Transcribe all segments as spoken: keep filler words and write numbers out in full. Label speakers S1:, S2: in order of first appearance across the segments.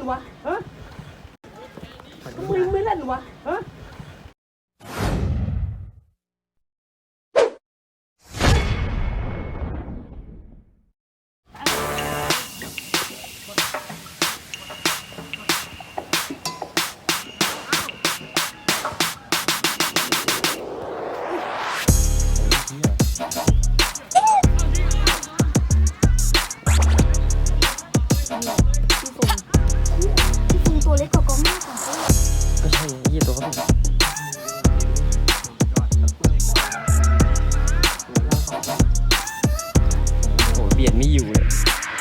S1: วะฮะมึงไม่เล่นวะฮะ
S2: ตัวเล็กกว่ากองหน้าของเขา
S3: ก็ใช่ยี่ตัวเขาเป็นโอ้เบียดไม่อยู่เลย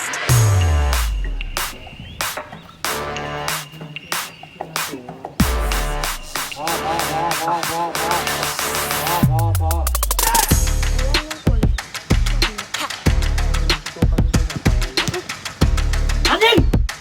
S1: พอพอพอพอพอพอพอพออันยิง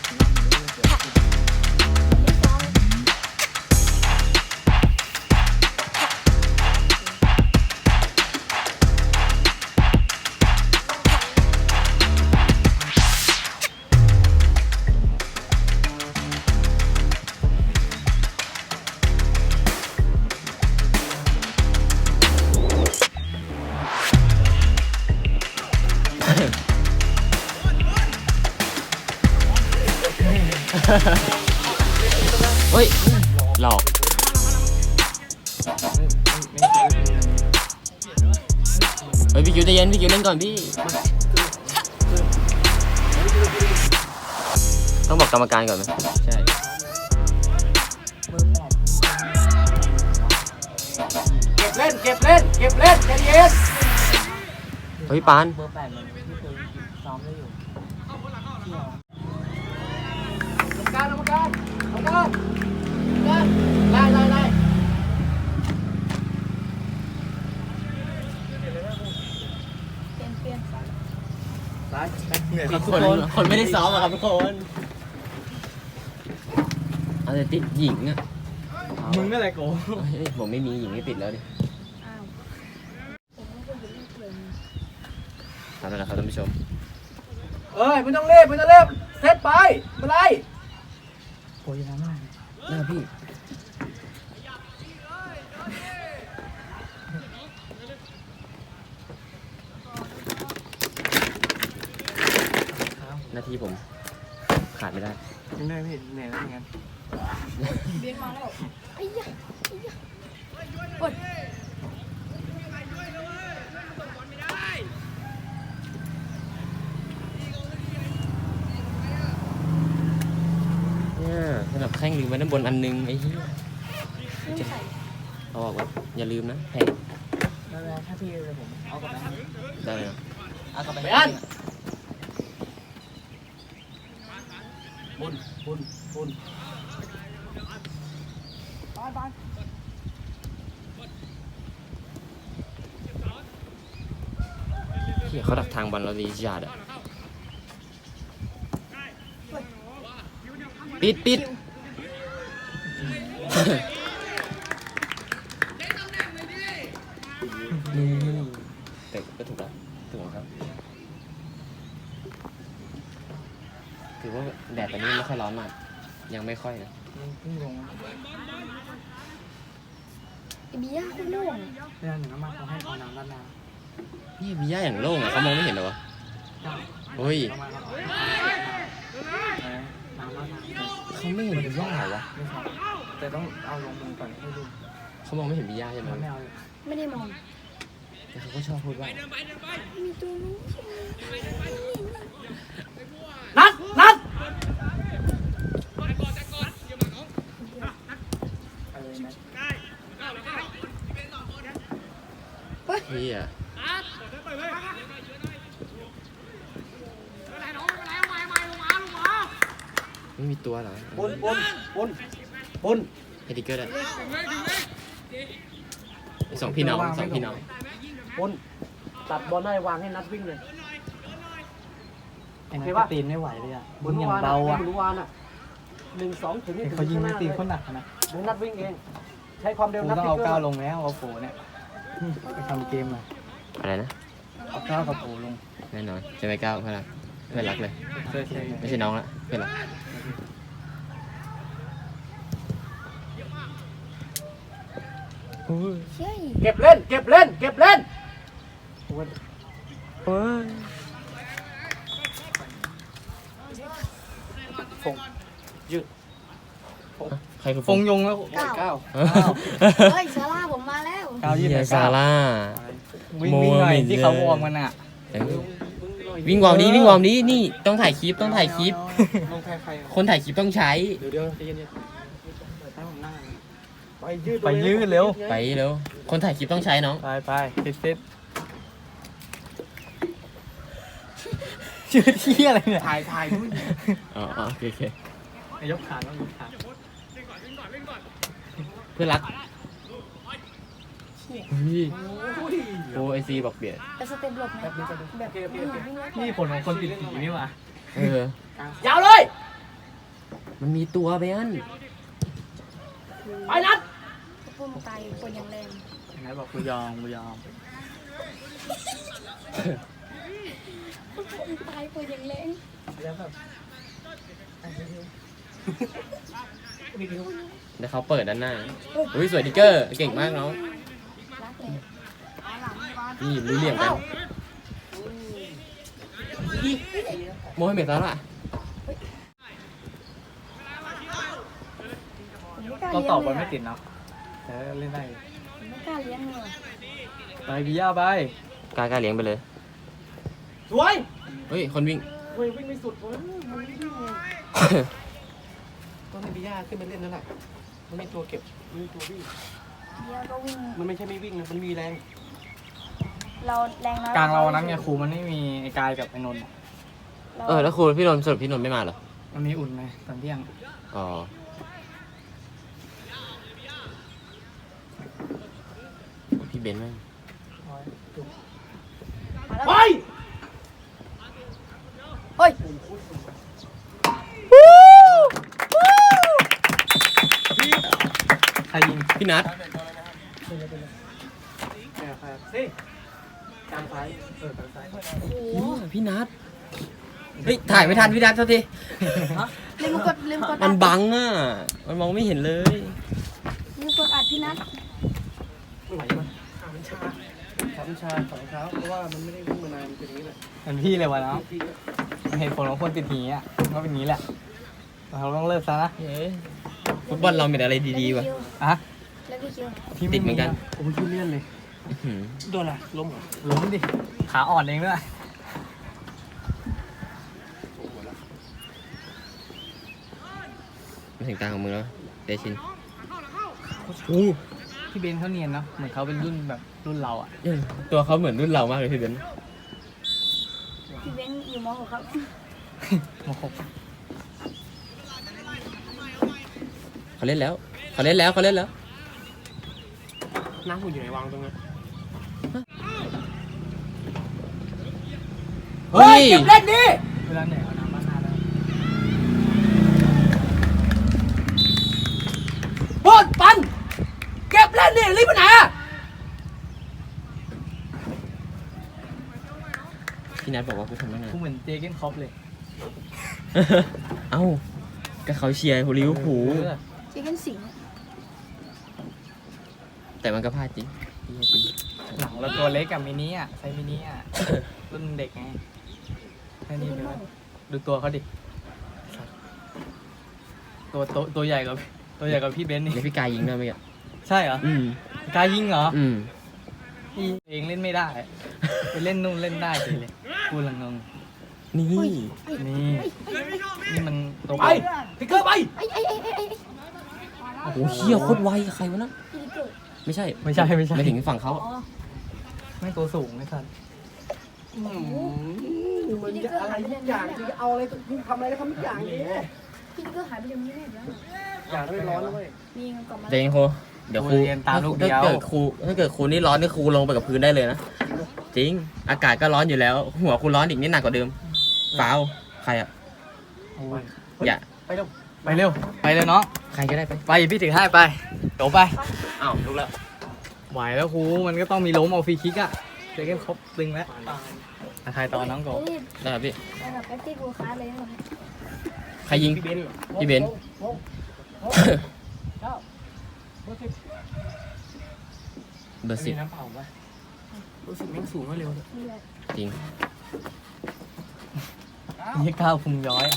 S3: เฮ้ยหลอกเฮ้ยพี่คิวใจเย็นพี่คิวเล่นก่อนพี่ต้องบอกกรรมการก่อนไหมใช่
S1: เก็บเล่นเก็บเล่นเก็บเล่นใจเย็น
S3: เฮ้ยปาน
S4: เบอร์แปดมันที่เคยซ้อมได้อยู่
S1: กรรมการกรรมการกรรมการไล่ไล่ไล่
S2: เปลี่ยนเปลี่ยน
S1: ไล่
S3: คนคนไม่ได้ซ้อมอะครับทุกคนเอาแต่ติดหญิงอะ
S4: มึงนั่นแหละโก
S3: ผมไม่มีหญิงไม่ติดแล้วดิ
S2: อ้าวผมไม่เคยเห็นเล่นเพลง
S3: ทำแล้วนะครับท่านผู้ชม
S1: เอ้ยไม่ต้องเล่นไม่ต้องเล่นเซตไปมาไล่
S4: โอ้ยน้ำมัน
S3: หน้าพี่หน้าที่ผมขาดไม่ได้
S4: ยังได้พี่เหนื่อยแล้วงั้น
S2: เบียนมาแล้วไอ้ยะไอ้ยะกด
S3: เนี่ยสำหรับแข้งลืมไว้ด้านบนอันนึงไอ้เหี้ย
S2: ไม่ใส่
S3: เอาบอกว่าอย่าลืมนะแพง
S4: แล้วถ้าพี่เลยผมเอากลับไป
S3: ได้เลยนะ
S4: เอากลับไป
S1: ไปอันบุญบุญบุญไปไป
S3: เหี้ยเขาดักทางบอลเราดีจัดอะปิดปิดแต่ก็ถูกแล้วถูกครับถือว่าแดดตอนนี้ไม่ค่อยร้อนมากยังไม่ค่อยนะ
S4: เพิ่งลง
S2: ไอ้เบียร์คุณโล่ง
S4: เรื่องหนึ่งน้ำมันเขาให้เอาน้ำด้านหน้า
S3: นี่มีหญ้าอย่างโล่งอะเขามองไม่เห็นเหรอวะเฮ้ย
S4: น้ำมันน้ำด้านหน้า
S3: เขาไม่เห็นมีหญ้าเหรอวะ
S4: ไม่ใช่แต่ต้องเอาลงมือก่อนให้ดู
S3: เขามองไม่เห็นมีหญ้าใช่ไหม
S4: ไม่เอา
S2: ไม่ได้มอง
S3: แต่เขาก็ชอบพูดว่า
S2: มีตัวนู้น
S1: นัดนัด
S4: อะไรนะ
S3: เฮียไม่มีตัวเหรอ
S1: บุญบุญบุญบุญ
S3: เฮดิเกอร์ได้สองพี่น้องสองพี่น้อง
S1: บุญตัดบอลได้วางให้นัดวิ่งเลย
S4: ไอ้นัทก็ตีนไม่ไหวเลยอ่ะมึงอย่างเบาอ่ะ
S1: บุญวานอ่ะหนึ่งสองถึงนี่ถึง
S4: เขายิงไม่ตีนเขาหนักนะ
S1: บุญนัดวิ่งเองใช้ความเร็ว
S4: กู
S1: นัด
S4: ต้องเอาก้าวลงแล้วเอาโผเนี่ยไปทำเกมอ่ะ
S3: อะไรนะ
S4: เอาก้าวกับโผลง
S3: แน่นอนจะไปก้าวเพื่อนรักเพื่อนรักเลย
S4: เคยเคย
S3: ไม่ใช่น้องละเพื่อนรัก
S2: เฮ้ย
S1: เก็บเล่น เก็บเล่น เก็บเล่น
S3: โอ้ย
S4: ฟงยืด
S3: ใครคือ
S4: ฟงยงแล้ว
S2: เก้า
S4: เก้า
S3: เอ้า
S2: เฮ้ยซาร่าผมมาแล้ว
S4: เก้ายืด
S3: เฮี
S4: ไหน
S3: ยซา
S4: เก้า
S3: ร่า
S4: วิ่งวิ่งหน่อยที่เขาวอร์มกันอ่ะ
S3: เออวิ่งวอร์มนี้วิ่งวอร์มนี้นี่ต้องถ่ายคลิปต้องถ่ายคลิป
S4: ลงแพ้ใคร
S3: คนถ่ายคลิปต้องใช้
S4: เดี๋ยวเดี๋ยวใจเย็นๆให้ผมนั่งไปยืดไปยืดเร็ว
S3: ไปเร็วคนถ่ายคลิปต้องใช้น้อง
S4: ไปไปเซ็ตเซ็ตยืดที่อะไรเนี่ย
S1: ถ่ายถ่ายด้วย
S3: อ๋อโอเคโอเค
S4: ยกขาต้องยกขา
S3: เพื่อนรักนี่โอ้ไอซีบอกเปลี่ยน
S2: แต่สเต็ปหลบนะแบบวิ่งวิ่งแล้ว
S4: นี่ผลของคนติดผีนี่หว่า
S3: เออย
S1: าวเลย
S3: มันมีตัวเบน
S1: ไปนัด
S2: พุ่มตายคนอย่างแรง
S4: ไหนบอกกูยอมกูยอม
S2: พุ่มตายคนอย่างแรง
S4: แล้วแบบ
S3: เดี๋ยวเขาเปิดด้านหน้าอุ้ยสวยดิเกอร์เก่งมากน้อง
S2: รักเลย
S3: นี่รู้เหลี่ยมกันโมให้เมตตาละ
S2: ผมไม่กล้า
S4: เรา
S2: เลี้ยง
S4: ตอบบอล
S2: เล
S4: ไม่
S2: ย
S4: ติดเนาะแต่เล่นได้
S2: ผมไม่กล้าเลี้ยงเลย
S4: ไปบิย่าไป
S3: กล้ากล้าเลี้ยงไปเลย
S1: สวย
S3: เฮ้ยคนวิ่ง
S1: เฮ้ยวิ่งไม่สุดเว้ยมันไม่วิ่งไงก็ให้บิย่าขึ้นไปเล่นนั่นแหละมันมีตัวเก็บมันมีตัววิ่ง
S2: เลี้ยงก็วิ่ง
S1: มันไม่ใช่ไม่วิ่งนะมันมีแรง
S2: เราแรงน้อย
S4: กลางเรานั้นไงครูมันไม่มีไอ้กายกับไอ้นนท์
S3: เออแล้วครูพี่นนท์สรุปพี่นนท์ไม่มาเหรอ
S4: มันมีอุ่นไงตอนเที่ยง
S3: อ๋อพี่เบนซ์แม่ง
S2: มาแล้ว
S1: ไป
S2: เฮ้ย
S4: ใครยิง
S3: พี่นัท
S1: แอบแอบสิกลางซ้ายเออกลางซ้าย
S2: โอ้โห
S3: พี่นัทเฮ้ยถ่ายไม่ทันพี่นัทเท่าที
S2: ลืมกดลืมกด
S3: มั
S2: อั
S3: น
S2: ด
S3: บังอ่ะมันมองไม่เห็นเลย
S2: ลืมกดอัดพี่นัท
S1: ไม่ไหวมั้ยขามันชาขามันชาสองเท้าเพราะว่ามันไม่ได้วิ่งมานานมันเป็นอย่างนี้แหละ
S4: เหมือนพี่เลยวะเนาะ
S1: พี่ก็
S4: มันเห็นผลของคนติดผีอ่ะก็เป็นอย่างนี้แหละเราต้องเลิกซะนะ
S3: เฮ้ยฟุตบอลเราเป็นอะไรดีๆวะ
S4: อ่ะ
S2: แล้วพี่คิว
S4: พี่
S3: ติดเหมือนกัน
S1: ผมคิดเลี่ยนเลย
S3: อื้อหือ
S1: โดนอะไรล้มเหรอ
S4: ล้มดิขาอ่อนเองด้วย
S3: มาถึงกลางของมึงแล้วเดชิน
S4: พี่เบนเขาเนียนเนาะเหมือนเขาเป็นรุ่นแบบรุ่นเราอ่ะ
S3: เออตัวเขาเหมือนรุ่นเรามากเลยพี่เบนซ์
S2: พี่เบนซ์อยู่ม .หก ครับ
S4: โมโห
S3: เขาเล่นแล้วเขาเล่นแล้วเขาเล่นแล้ว
S1: น้ำหุ่นอยู่ไหนวางตรงนั้น
S3: เฮ้ย
S1: เก็บเล่นดิ
S4: เวลาเหนื่อยเอาน้ำมานาแล้ว
S1: บอลปันเก็บเล่นดิรีบไปไหนอะ
S3: พี่นัทบอกว่ากูทำตั้งนาน
S4: กูเหมือนเจเกนคอปเลย
S3: เอ้าก็เขาเชียร์ลิเวอร์พูล
S4: เออ
S2: เจเกนสิงห์
S3: แต่มันก็พลาดจริงเหี้ยจริง
S4: หลังเราตัวเล็กกับมินิอ่ะไซส์มินิอ่ะรุ่นเด็กไงแค่นี้เลยวะดูตัวเขาดิตัวโตตัวใหญ่กว่าตัวใหญ่กว่าพี่เบนซ์นี่
S3: แล้วพี่กายยิงได้ไหมอ่ะ
S4: ใช่เหรอ
S3: อืม
S4: กล้ายิงเหรอ
S3: อืม
S4: พี่เองเล่นไม่ได้ไปเล่นนู่นเล่นได้เลยพูดลังงง
S3: นี่
S4: นี่นี่มันตัว
S1: ไปพิกเกอร์ไป
S2: ไอ้ไอ้ไอ้ไอ้ไอ้
S3: โอ้โหเฮียโคตรไวใครวะนะ
S2: พี่ลิเกิด
S3: ไม่ใช่
S4: ไม่ใช่ไม่ใช่
S3: ไม่ถึงฝั่งเขา
S2: อ๋อ
S4: ไม่ตัวสูงไม่ทัน
S1: มันจะอะไรทุกอย่างจะเอาอะไรทำอะไรก็ทำทุกอย่างนี้
S2: พี่ลิเกิดหายไปเดี๋ยวนี้แน่เดี๋ยว
S1: อย่าให้ร้อนด้วย
S2: มีเงินกลับมา
S3: เจงโคเดี๋ยวครู
S4: เรียนตามลูกเดียว
S3: ถ้าเกิดครูถ้าเกิดครูนี่ร้อนนี่ครูลงไปกับพื้นได้เลยนะจริงอากาศก็ร้อนอยู่แล้ว หัวครูร้อนอีกนิดหนักกว่าเดิมเปล่าใครอ่ะ
S4: โอ้ย
S3: อย่า
S1: ไปเร็ว
S4: ไปเร็วไปเลยน้อง
S3: ใครก็ได้ไป
S4: ไปพี่ถือให้ไปโตไป
S3: อ้าวลุกแล้ว
S4: ไหวแล้วครูมันก็ต้องมีล้มเอาฟรีคิกอะเจอแค่ครบตึงแล้วอาทายต่อน้องโก
S2: เฮ้ย
S3: ได้ครับพี่
S2: ไปแบบแป๊บตี้กูค้าเลยนะ
S3: ใครยิง
S1: พี่เบนซ์
S3: พี่เบนซ์
S1: เก้าเบอร์สิบ
S3: เบอร์สิบ
S4: มีน้ำเปล่าปะ
S1: รู้สึกแม่งสูงแล้วเร็วเลย
S2: นี่แหละ
S3: จริง
S4: นี่ก้าวพุงย้อยอะ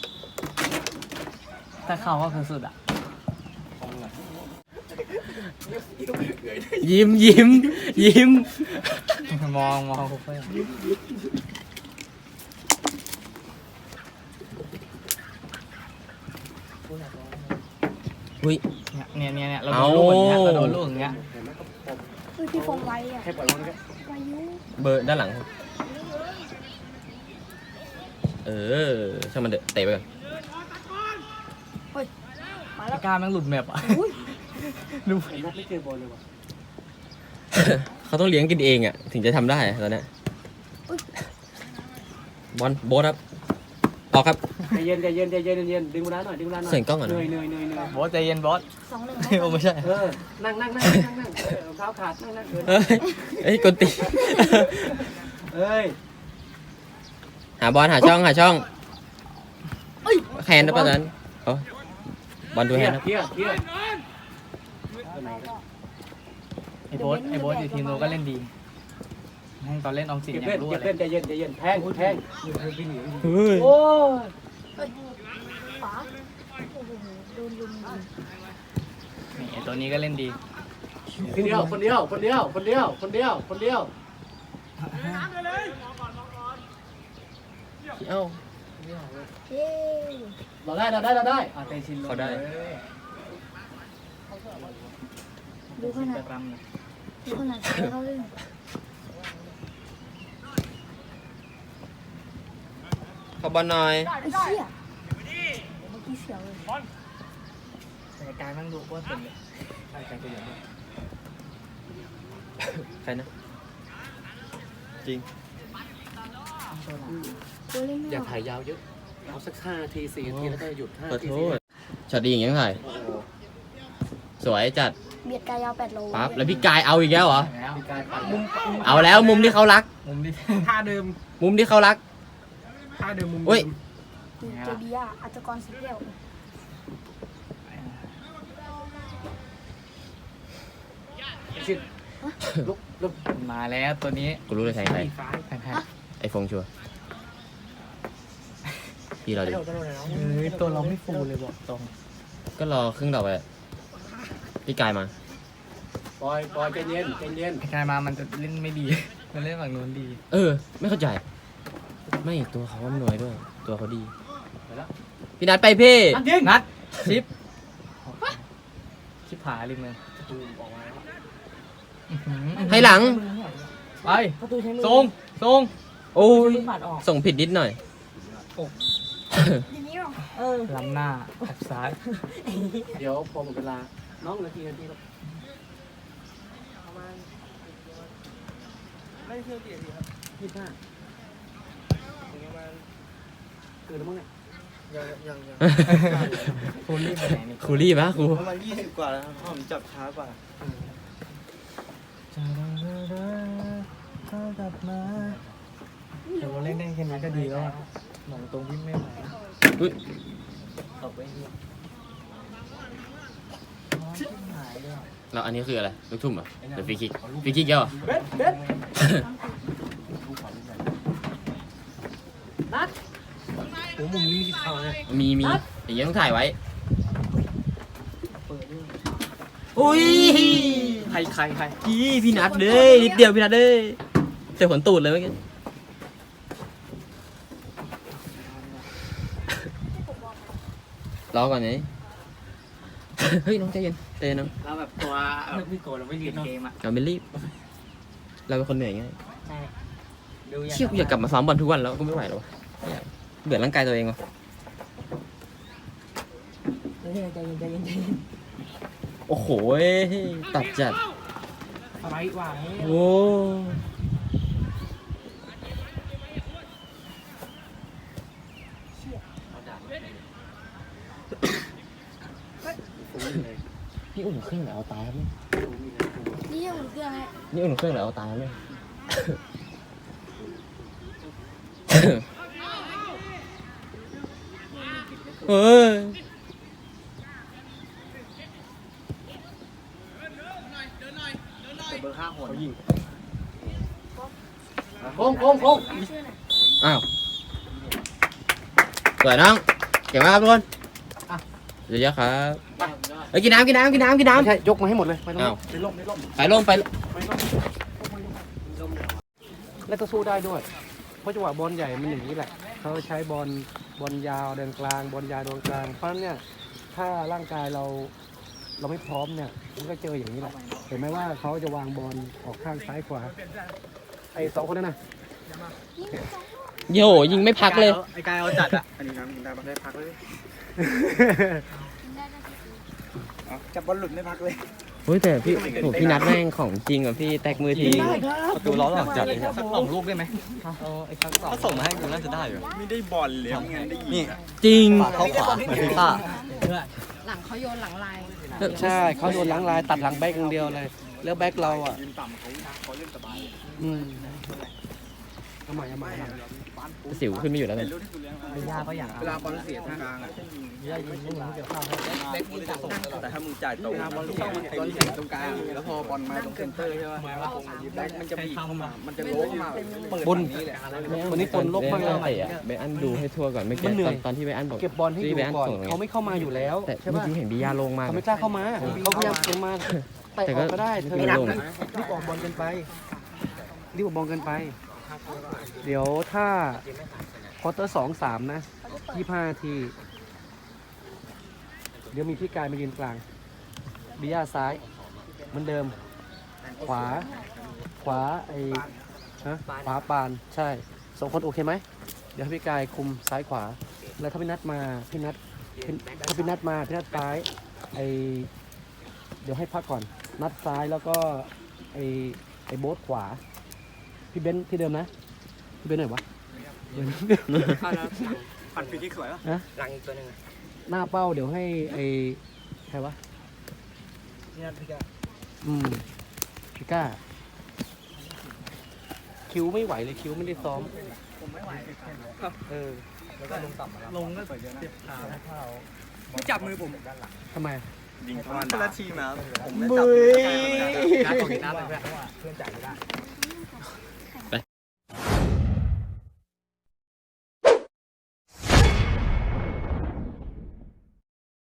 S4: ถ้าเข้าก็คือสุดอ่ะ
S3: ยิ้มยิ้มยิ้ม
S4: มองมองคุกเพื่อน
S3: อุ้ย
S4: เนี่ยเนี่ยเนี่ยเรา
S3: เอา
S4: โดนลูกอย่างเงี้ยเราโดนลูกอย่างเงี้ย
S1: เห็นไหมก็ปม
S2: เฮ้ยพี่ฟงไว้อะ
S1: แค่ปล่อยมันก็
S2: วายุ
S3: เบอร์ด้านหลัง เออช่างมันเดอะเตะไปก่อน
S2: มาแล้ว
S4: พี่ก้าแม่งหลุดแมปอ่ะ
S2: อุ้ย
S4: ดู
S1: เห็นนัดไม่เจอบอลเลยว่ะ
S3: เขาต้องเลี้ยงกินเองอ่ะ ถึงจะทำได้ตอนเนี้ยบอลโบสครับออกครับ
S1: ใจเย็นใจเย็นใจเย็นใจเย็นดึงเวลาหน่อยดึงเวลาหน่อย
S3: เสียงกล้องก่อน
S1: เห
S3: นะ
S1: นื่อยเหนื่อยเหนื่อยเหนื่อย
S4: บอสใจเย็นบอส
S2: สองหนึ่ง
S4: โอ้ไม่ใช่
S1: เออนั่งนั่งนั่งนั่งนั่งเออรองเท้าขาดนั่งนั่งเออ
S3: เอ้ยเอ้ยกดตี
S1: เอ้ย
S3: หาบอลหาช่องหาช่องแคนนะป่ะตอนนั้นโอ้บอลดู
S1: เพี
S3: แฮ
S1: ย
S3: นด์นะ
S1: เพียเพีย
S4: ไอ้โบสไอ้โบสอยู่ทีมเราก็เล่นดีให้ตอนเล่นออมสิน
S1: เก็บ
S4: อย่า
S1: เล่น
S4: งรู้
S1: เก็
S4: อะ
S1: บ
S4: ไร
S1: เล่นใจเย็นใจเย็นแทงแทง
S3: เฮ้ย
S1: โอ้ย
S2: ฝาโอ้โหโดนลุมยิง
S4: นี่ไอ้ตัวนี้ก็เล่นดี
S1: คนเดียวคนเดียวคนเดียวคนเดียวคนเดียวคนเดียว
S3: เอ้า
S2: เย้
S1: เราได้เราได้เราได้
S4: อาเตชิน
S3: เขาได้
S2: ดูขนาด
S4: รำเลย
S2: ดูขนาดเขาเล่น
S3: ขอบอลหน่อย
S2: ไอ้เชี่ยเมื่อกี้เสียวเลย
S4: แต่การนั่งดูโคตรสุดเลย
S1: ใช่ใช่ตัวอย่างนี้
S3: ใครนะ จริง
S2: ตัวเล่น
S1: อย่าถ่ายยาวเยอะเอาสักห้านาทีสี่นาทีแล้วก็หยุดห้า
S3: ขอ
S1: นาที
S3: โทษช็อตดีอย่างงี้ต้องถ่าย
S1: โอ้โห
S3: สวยจัด
S2: เบียดกายยาวแปดโล
S3: ปั๊บแล้วพี่กายเอาอีกแล้วเหรอ
S4: แล้ว
S1: มีการปัด
S4: มุม
S3: เอาแล้วมุมที่เขารัก
S4: มุมที่
S1: ท่าเดิม
S3: มุมที่เขารัก
S1: ท่าเดิมมุม
S3: อุ้ย
S2: ดูเจบียาอัจกรสีเขียว
S1: ชิดลุกลุก
S4: มาแล้วตัวนี้
S3: กูรู้เลยใครใคร
S1: ซ้าย
S4: แพง
S3: ไอฟงชัวร์พี่เราดิ
S4: ๆเฮ้ยตัวเราไม่ฟูเลยบอกตรง
S3: ก็รอครึ่งดอกไปพี่กายมา
S1: ปล่อยปล่อยใจเย็นใจเย็น
S4: ไอ้กายมามันจะเล่นไม่ดี มันเล่นฝั่งนู้นดี
S3: เออ ไม่เข้าใจ ไม่ตัวเขาอำนวยด้วย ตัวเขาดี
S1: ไปแล้ว
S3: พี่นัดไปพี่
S1: นัดยิง
S4: นัดชิปชิปผาริมเลย
S1: ตูมออกมาแล้ว
S4: อื้อหือ
S3: ให้หลัง
S4: ไป
S2: ประตูใช้มือ
S4: ทรงทรง
S3: โอ้ย
S2: มือปัดออก
S3: ส่งผิดนิดหน่อย
S2: ทีนี้หรอเออ
S4: ล้ำหน้าแอบซ้าย
S1: เดี๋ยวพอหมดเวลาน้องนาทีนาทีครับไม่เชื่อกี่นาทีครับยี่สิบห้าเกินแล้วมั้งเนี่ย
S4: ฟูลลี่ไปไหนนี่
S3: ครูรีบปะครู
S5: ประมาณยี่สิบกว่าแล้วครับผมจับช้ากว่า
S4: แต่เราเล่นได้แค่นี้ก็ดีแล้วอะหมองตรงวิ่งไม่ไหว
S3: อุ๊ย
S4: ตกไปเหี้ย
S3: แล้วอันนี้คืออะไร ลูกทุ่มเหรอหรือฟรีคิกฟรีคิกเยอะเหรอ
S1: เบ็ดเบ็ดนัดโอ้มุมนี้มีสิทธิ์เข้าเลย
S3: มีมีอย่างเงี้ยต้องถ่ายไว้ อุ้ย
S4: ใครใครใคร
S3: พี่พี่นัดเลยนิดเดียวพี่นัดเลยเจอขนตูดเลยเมื่อกี้รอก่อนไง เฮ้ยน้องใจเย็นใจเย็นน้อง
S4: เราแบบตัวพี่โกเราไม่เรียนเกมอ่ะ
S3: เราไม่รีบ เราเป็นคนเหนื่อยง่าย
S4: ใช่ดู
S3: เชี่ยกูอยากกลับมาซ้อมบอลทุกวันแล้วกูไม่ไหวแล้ววะไม่อยากเบื่อร่างกายตัวเองว่ะ
S2: ใจเย็นใจเย็นใจเย็นใจเย็น
S3: โอ้โหตัดจัด
S4: อะไรวะ
S3: โอ้
S1: ผมเลย
S3: นี่อุ่นเครื่องหรือเอาตายครับเนี่ย
S2: นี่ยังอุ่นเครื่องไง
S3: นี่อุ่นเครื่องหรือเอาตายครับเนี่ย เฮ้ย
S1: เบอร์ห้า
S4: าโหดยิง
S1: โค้งโค้งโค้ง
S3: อ้าวสวยน้องเก่งมากครับทุกคนเยอะๆครับเฮ้ยกินน้ำกินน้ำกินน้ำกิน
S1: ไม่
S3: น้ำ
S1: ใช่ยกมาให้หมดเลยไปตรง
S3: อ้า
S1: นี้
S3: ว
S1: ไปล่มไปล่ม
S3: ไปลงไป
S1: แล้วก็สู้ได้ด้วย เพราะจังหวะบอลใหญ่มันอย่างนี้แหละเขาใช้บอลบอลยาวเดินกลางบอลยาวเดินกลางเพราะฉะนั้นเนี่ยถ้าร่างกายเราเราไม่พร้อมเนี่ยมันก็เจออย่างนี้แหละเห็นไหมว่าเขาจะวางบอลออกข้างซ้ายขวาไอ้สองคนนั้นนะ
S3: โยยิงไม่พักเลย
S5: ไอ้กายเอาจัดอ่ะ อันนี้น้ำได้ปะได้พักเลยจับบอลหลุดไม่พักเลย
S3: เฮ้ยแต่พี่โหพี่นัดแม่งของจริงอ่ะพี่แตกมือที
S4: ประตูล้อหลังจัดเลยสักสองลูกได้ไหมเอาไอ้ครั้งสองถ้าส่งมาให้กูน่าจะได้อยู่
S5: ไม่ได้บอลเลยไม่งั้นได้ยิง
S3: จริง
S4: เขาขวาเหมือนฟีฟ่า
S2: หลังเขาโยนหลังลาย
S1: ใช่เขาโดนหลังลายตัดหลังแบ็กอย่างเดียวเลย แล้วแบ็กเราอ่ะ
S5: ยืนต่ำเขาเขาเล่นสบาย
S1: อืมเอาใหม่เอาใหม่เอาใหม่
S3: สิวขึ้นไม่อยู่แล้ว
S5: เป็
S3: เนี่ย
S5: นรุ่นที่กูเลี้ยงมา
S4: ไม่ยากก็อย่าง
S5: เวลาบอลเสียทางกลางอ่ะ
S4: ยากยิงลูกเกี่ยวข้าว
S5: แบ็คยิงต่ำแต่ถ้ามึงจ่ายตรงบอลเสียบอลเสียตรงกลางแล้วพอบอลมาตรงเซนเตอร์ใช่ป่ะแบ็คมันจะบีบเข้ามามันจะโล้เข้ามาเปิดฝั่งนี้แหละ
S1: วันนี้ปนลบมากเลย
S3: เตะอะเบอันดูให้ทั่วก่อนไม่
S1: มั
S3: เก็
S1: นเหนื่
S3: ต
S1: อ
S3: อย นตอนที่เบอันบอก
S1: เก็บบอลให้อยู่
S3: ที่เบอัน
S1: ก่อน
S3: ส่งไง
S1: เขาไม่เข้ามาอยู่แล้ว
S3: แต่
S1: ใช่
S3: เมื่อ
S1: ป่ะ
S3: กี้เห็นบิยาลงมาก
S1: เขาไม่กล้าเข้ามาเขาพยายามเก็บมาแต่
S3: แต่
S1: อ
S3: ก็
S1: อกก็ได้เธอ
S3: ไม่ลง
S1: รีบออกบอลกันไปรีบออกบอลกันไป เดี๋ยวถ้าควอเตอร์สองสามนะยี่ห้าที เดี๋ยวมีพี่กายมายืนกลางบิยาซ้ายเหมือนเดิม ขวา ขวาไอ้ฮะขวาปานใช่สองคนโอเคไหมเดี๋ยวให้พี่กายคุมซ้ายขวา แล้วถ้าพี่นัดมาพี่นัดพี่ถ้าพี่นัดมาพี่นัดซ้ายไอเดี๋ยวให้พักก่อน นัดซ้ายแล้วก็ไอไอโบ๊ทขวา พี่เบนซ์ที่เดิมนะ พี่เบนซ์ไหนวะเบนซ์
S5: ปั่นฟรีคิกสวยป่ะ
S1: ฮะ
S4: หลังอีกตัวนึง
S1: หน้าเป้าเดี๋ยวให้ไอใครวะ
S4: นี่พี่กา
S1: อืมพี่ก้า คิวไม่ไหวเลยคิวไม่ได้ซ้อม
S5: ผมไม่ไหว
S1: เออ
S4: แล้วก็ลงต่ำลงก็เจ็บขาเท้า
S5: จับมือผม
S1: ทำไม
S5: ยิงทอนคนละทีมนะผมไม่
S1: บุ
S5: จับ
S1: ย
S4: การตกน้ำเลยเพื่อนเพื่อนจ่ายไม่ได้